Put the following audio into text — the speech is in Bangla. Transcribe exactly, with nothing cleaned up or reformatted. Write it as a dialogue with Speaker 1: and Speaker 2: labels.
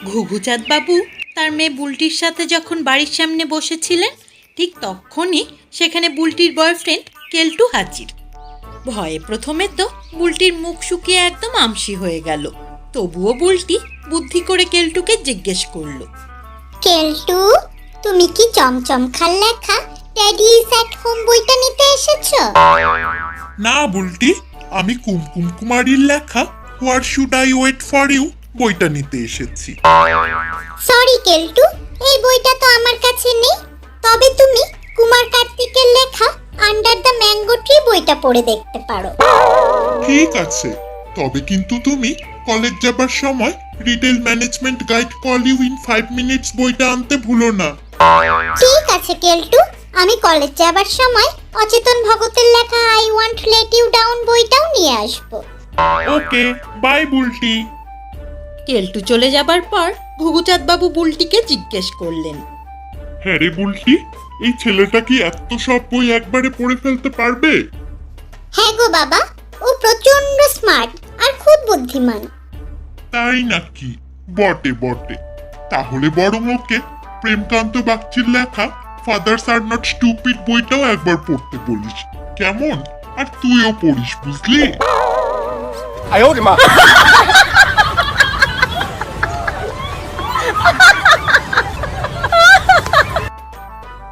Speaker 1: ঘুঘুচাঁদ বাবু তার মেয়ে বুলটির সাথে যখন বাড়ির সামনে বসেছিলেন, ঠিক তখনই সেখানে বুলটির বয়ফ্রেন্ড কেলটু হাজির। ভয়ে প্রথমে তো বুলটির মুখ শুকিয়ে একদম আমসি হয়ে গেল। তবুও বুলটি বুদ্ধি করে কেলটুকে জিজ্ঞেস করলো,
Speaker 2: কেলটু, তুমি কি চমচমখার লেখা ড্যাডি ইজ অ্যাট হোম বইটা নিতে এসেছো?
Speaker 3: না বুলটি, আমি কুমকুম কুমারীর লেখা what should I wait for you বইটা নিতে এসেছি।
Speaker 2: সরি কেলটু, এই বইটা তো আমার কাছে নেই। তবে তুমি কুমার কার্তিকের লেখা আন্ডার দ্য ম্যাঙ্গো ট্রি বইটা পড়ে দেখতে পারো।
Speaker 3: ঠিক আছে, তবে কিন্তু তুমি কলেজ যাবার সময় retail management guide call you in five minutes বইটা আনতে ভুলো না।
Speaker 2: ঠিক আছে কেলটু, আমি কলেজ যাবার সময় অচেতন ভগতের লেখা I want let you down বইটাও নিয়ে আসবো।
Speaker 3: Okay, bye Bulti.
Speaker 1: কেলটু চলে যাবার পর ঘুঘুচাঁদ বাবু বুলটিকে জিজ্ঞেস করলেন,
Speaker 3: হ্যাঁ রে বুলটি, এই ছেলেটা কি এত সব বই একবারে পড়ে ফেলতে পারবে?
Speaker 2: হ্যাঁ গো বাবা, ও প্রচন্ড স্মার্ট আর খুব বুদ্ধিমান।
Speaker 3: তাই নাকি? বটে বটে। তাহলে বরং ওকে প্রেমকান্ত বাগচির লেখা ফাদার্স আর নট স্টুপিড বইটাও একবার পড়তে বলিস, কেমন? আর তুইও পড়িস, বুঝলি?
Speaker 4: 哎呦我的妈！